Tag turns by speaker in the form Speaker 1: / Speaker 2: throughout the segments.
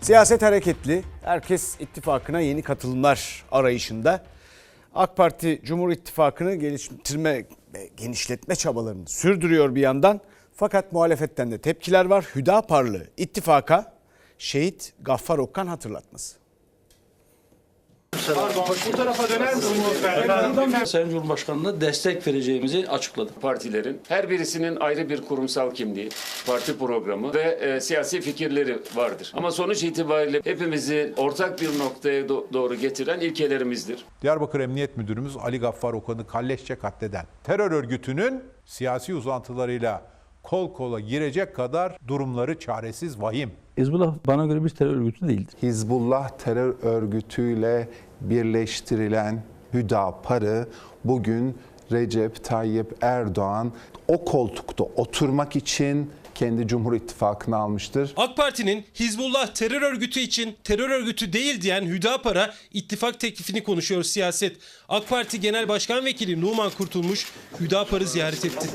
Speaker 1: Siyaset hareketli. Herkes ittifakına yeni katılımlar arayışında. AK Parti Cumhur İttifakı'nı geliştirme ve genişletme çabalarını sürdürüyor bir yandan. Fakat muhalefetten de tepkiler var. Hüdaparlı ittifaka şehit Gaffar Okkan hatırlatması.
Speaker 2: Bu tarafa döner misiniz?
Speaker 3: Sayın Cumhurbaşkanı'na destek vereceğimizi açıkladık.
Speaker 4: Partilerin her birisinin ayrı bir kurumsal kimliği, parti programı ve siyasi fikirleri vardır. Ama sonuç itibariyle hepimizi ortak bir noktaya doğru getiren ilkelerimizdir.
Speaker 5: Diyarbakır Emniyet Müdürümüz Ali Gaffar Okkan'ı kalleşçe katleden terör örgütünün siyasi uzantılarıyla kol kola girecek kadar durumları çaresiz, vahim.
Speaker 3: Hizbullah bana göre bir terör örgütü değildir.
Speaker 6: Hizbullah terör örgütüyle birleştirilen Hüdapar'ı bugün Recep Tayyip Erdoğan o koltukta oturmak için kendi Cumhur İttifakı'na almıştır.
Speaker 7: AK Parti'nin Hizbullah terör örgütü için terör örgütü değil diyen Hüdapar'a ittifak teklifini konuşuyor siyaset. AK Parti Genel Başkan Vekili Numan Kurtulmuş Hüdapar'ı ziyaret etti.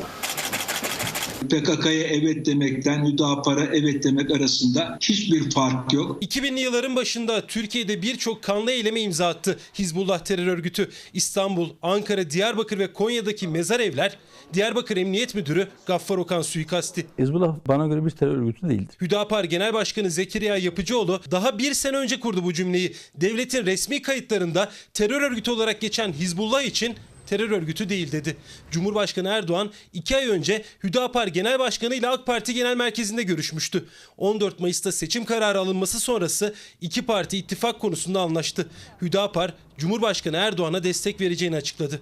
Speaker 8: PKK'ya evet demekten Hüdapar'a evet demek arasında hiçbir fark yok.
Speaker 7: 2000'li yılların başında Türkiye'de birçok kanlı eyleme imza attı Hizbullah terör örgütü. İstanbul, Ankara, Diyarbakır ve Konya'daki mezar evler, Diyarbakır Emniyet Müdürü Gaffar Okkan suikasti.
Speaker 3: Hizbullah bana göre bir terör örgütü değildir.
Speaker 7: Hüdapar Genel Başkanı Zekeriya Yapıcıoğlu daha bir sene önce kurdu bu cümleyi. Devletin resmi kayıtlarında terör örgütü olarak geçen Hizbullah için terör örgütü değil dedi. Cumhurbaşkanı Erdoğan 2 ay önce Hüdapar Genel Başkanı ile AK Parti Genel Merkezi'nde görüşmüştü. 14 Mayıs'ta seçim kararı alınması sonrası iki parti ittifak konusunda anlaştı. Hüdapar, Cumhurbaşkanı Erdoğan'a destek vereceğini açıkladı.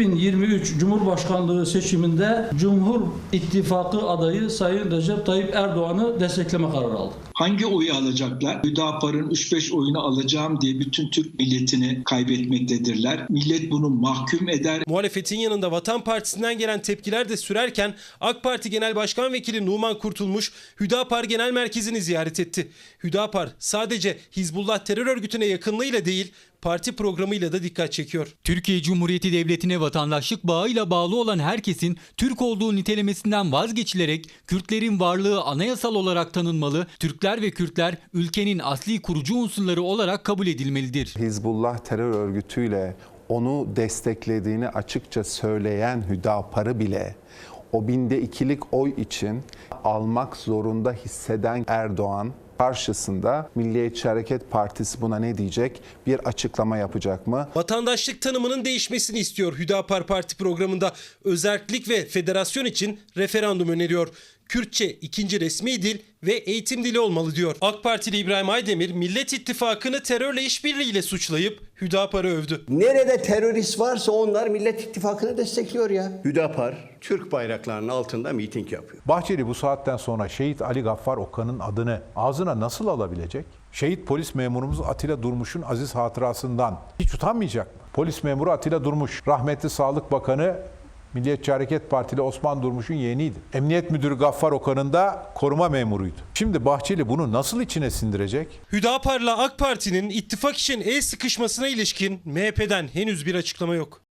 Speaker 3: 2023 Cumhurbaşkanlığı seçiminde Cumhur İttifakı adayı Sayın Recep Tayyip Erdoğan'ı destekleme kararı aldık.
Speaker 8: Hangi oyu alacaklar? Hüdapar'ın 3-5 oyunu alacağım diye bütün Türk milletini kaybetmektedirler. Millet bunu mahkum eder.
Speaker 7: Muhalefetin yanında Vatan Partisi'nden gelen tepkiler de sürerken AK Parti Genel Başkan Vekili Numan Kurtulmuş Hüdapar Genel Merkezi'ni ziyaret etti. Hüdapar sadece Hizbullah terör örgütüne yakınlığıyla değil, parti programıyla da dikkat çekiyor.
Speaker 9: Türkiye Cumhuriyeti Devleti'ne vatandaşlık bağıyla bağlı olan herkesin Türk olduğu nitelemesinden vazgeçilerek Kürtlerin varlığı anayasal olarak tanınmalı, Türkler ve Kürtler ülkenin asli kurucu unsurları olarak kabul edilmelidir.
Speaker 6: Hizbullah terör örgütüyle onu desteklediğini açıkça söyleyen Hüdapar'ı bile o 2'lik oy için almak zorunda hisseden Erdoğan karşısında Milliyetçi Hareket Partisi buna ne diyecek? Bir açıklama yapacak mı?
Speaker 7: Vatandaşlık tanımının değişmesini istiyor Hüdapar Parti programında. Özerklik ve federasyon için referandum öneriyor. Kürtçe ikinci resmi dil ve eğitim dili olmalı diyor. AK Partili İbrahim Aydemir Millet İttifakı'nı terörle işbirliğiyle suçlayıp Hüdapar'ı övdü.
Speaker 10: Nerede terörist varsa onlar Millet İttifakı'nı destekliyor ya. Hüdapar Türk bayraklarının altında miting yapıyor.
Speaker 5: Bahçeli bu saatten sonra şehit Ali Gaffar Okkan'ın adını ağzına nasıl alabilecek? Şehit polis memurumuz Atilla Durmuş'un aziz hatırasından hiç utanmayacak mı? Polis memuru Atilla Durmuş, rahmetli Sağlık Bakanı Milliyetçi Hareket Partili Osman Durmuş'un yeğeniydi. Emniyet Müdürü Gaffar Okkan'ın da koruma memuruydu. Şimdi Bahçeli bunu nasıl içine sindirecek?
Speaker 7: Hüdapar'la AK Parti'nin ittifak için el sıkışmasına ilişkin MHP'den henüz bir açıklama yok.